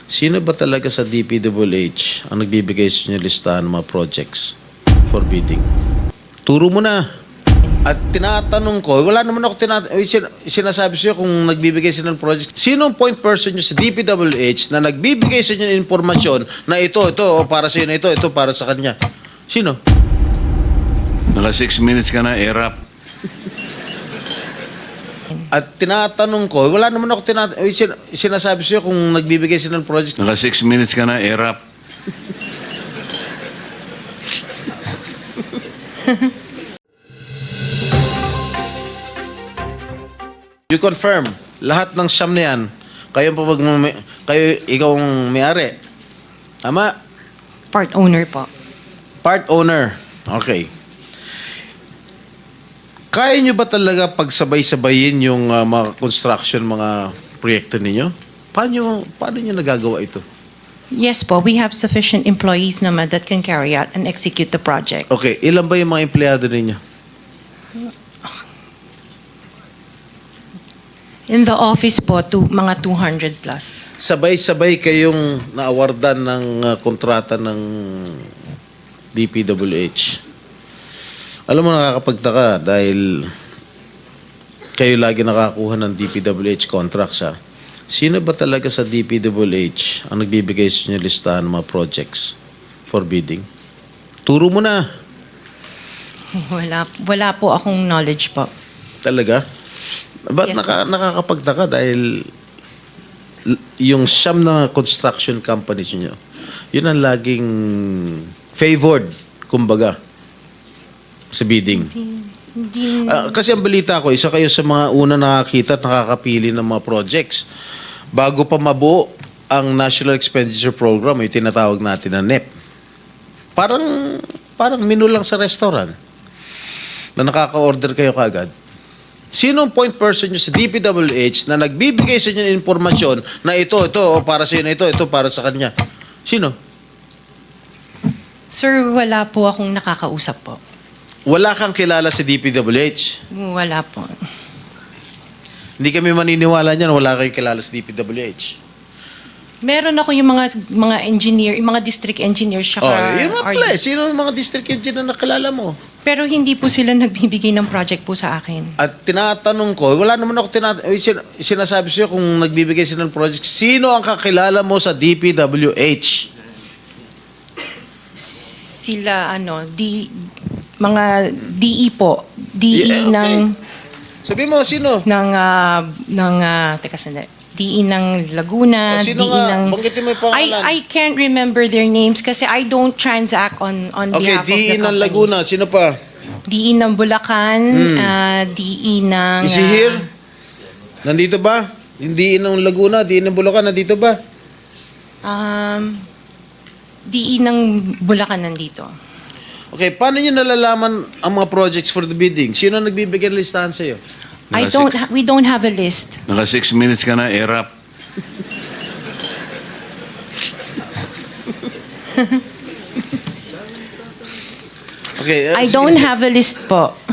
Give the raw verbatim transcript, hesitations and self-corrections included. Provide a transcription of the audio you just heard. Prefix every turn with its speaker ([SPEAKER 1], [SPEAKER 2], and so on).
[SPEAKER 1] Sino ba talaga sa D P W H ang nagbibigay sa inyo listahan ng mga projects for bidding? Turo mo na. At tinatanong ko, wala naman ako tinat- sin- sinasabi sa iyo kung nagbibigay sila ng project. Sino ang point person nyo sa D P W H na nagbibigay sa inyo ng informasyon na ito, ito, o para sa inyo, ito, ito, para sa kanya? Sino?
[SPEAKER 2] Naka six minutes ka na, erap.
[SPEAKER 1] At tinatanong ko, wala naman ako tinat- sin- sinasabi sa iyo kung nagbibigay sila ng project.
[SPEAKER 2] Naka six minutes ka na, erap.
[SPEAKER 1] You confirm, lahat ng siyam na yan, kayo, pa mag- kayo ikaw ang may-ari. Tama?
[SPEAKER 3] Part owner po.
[SPEAKER 1] Part owner. Okay. Kaya nyo ba talaga pagsabay-sabayin yung uh, mga construction, mga proyekto ninyo? Paano, paano nyo nagagawa ito?
[SPEAKER 3] Yes po, we have sufficient employees naman that can carry out and execute the project.
[SPEAKER 1] Okay, ilan ba yung mga empleyado ninyo?
[SPEAKER 3] In the office po, to, mga two hundred plus.
[SPEAKER 1] Sabay-sabay kayong naawardan ng uh, kontrata ng D P W H. Alam mo, nakakapagtaka dahil kayo lagi nakakuha ng D P W H contracts, ha? Sino ba talaga sa D P W H ang nagbibigay sa inyo listahan ng mga projects for bidding? Turo mo na.
[SPEAKER 3] Wala, wala po akong knowledge po.
[SPEAKER 1] Talaga? Ba't
[SPEAKER 3] Yes,
[SPEAKER 1] naka, nakakapagtaka dahil l- yung siyam na construction companies nyo, yun ang laging favored, kumbaga, sa bidding.
[SPEAKER 3] Hindi,
[SPEAKER 1] Ah, kasi ang balita ko, isa kayo sa mga una nakakita at nakakapili ng mga projects. Bago pa mabuo ang National Expenditure Program, yung tinatawag natin na N E P. Parang, parang menu lang sa restaurant na nakaka-order kayo kaagad. Sino ang point person nyo sa D P W H na nagbibigay sa inyo ng informasyon na ito, ito, o para sa inyo, ito, ito, para sa kanya? Sino?
[SPEAKER 3] sir, wala po akong nakakausap po.
[SPEAKER 1] Wala kang kilala sa D P W H.
[SPEAKER 3] Wala po.
[SPEAKER 1] Hindi kami maniniwala niyan, wala kayong kilala sa D P W H.
[SPEAKER 3] Meron ako yung mga mga engineer, yung mga district engineers,
[SPEAKER 1] Oh,
[SPEAKER 3] saka
[SPEAKER 1] yun mga
[SPEAKER 3] R D.
[SPEAKER 1] pala eh. Sino ang mga district engineer na nakilala mo?
[SPEAKER 3] Pero hindi po sila nagbibigay ng project po sa akin.
[SPEAKER 1] At tinatanong ko, wala naman ako tinat- sin- sinasabi sa iyo kung nagbibigay sila ng project. Sino ang kakilala mo sa D P W H?
[SPEAKER 3] Sila ano, D, mga D E po, D E
[SPEAKER 1] Yeah, okay.
[SPEAKER 3] ng
[SPEAKER 1] Sabi mo, sino?
[SPEAKER 3] ng ah, ng ah, teka sandali. D E ng Laguna,
[SPEAKER 1] O, sino
[SPEAKER 3] D E
[SPEAKER 1] nga?
[SPEAKER 3] ng
[SPEAKER 1] Banggitin mo yung pangalan.
[SPEAKER 3] I I can't remember their names kasi I don't transact on on
[SPEAKER 1] Okay,
[SPEAKER 3] behalf
[SPEAKER 1] D E
[SPEAKER 3] of the
[SPEAKER 1] ng
[SPEAKER 3] companies.
[SPEAKER 1] Laguna. Sino pa?
[SPEAKER 3] D E ng Bulacan, ah, D E ng
[SPEAKER 1] Is he
[SPEAKER 3] ah,
[SPEAKER 1] here? Nandito ba? Yung D E ng Laguna, D E ng Bulacan, nandito ba?
[SPEAKER 3] um D E ng Bulacan nandito.
[SPEAKER 1] Okay, paano nyo nalalaman ang mga projects for the bidding? Sino ang nagbibigay ng listahan sa iyo?
[SPEAKER 3] I
[SPEAKER 2] Naka
[SPEAKER 3] don't
[SPEAKER 2] six-
[SPEAKER 3] ha- we don't have a list.
[SPEAKER 2] Naka six minutes ka na, erap.
[SPEAKER 1] Okay, uh,
[SPEAKER 3] I
[SPEAKER 1] sige,
[SPEAKER 3] don't
[SPEAKER 1] sige.
[SPEAKER 3] have a list po.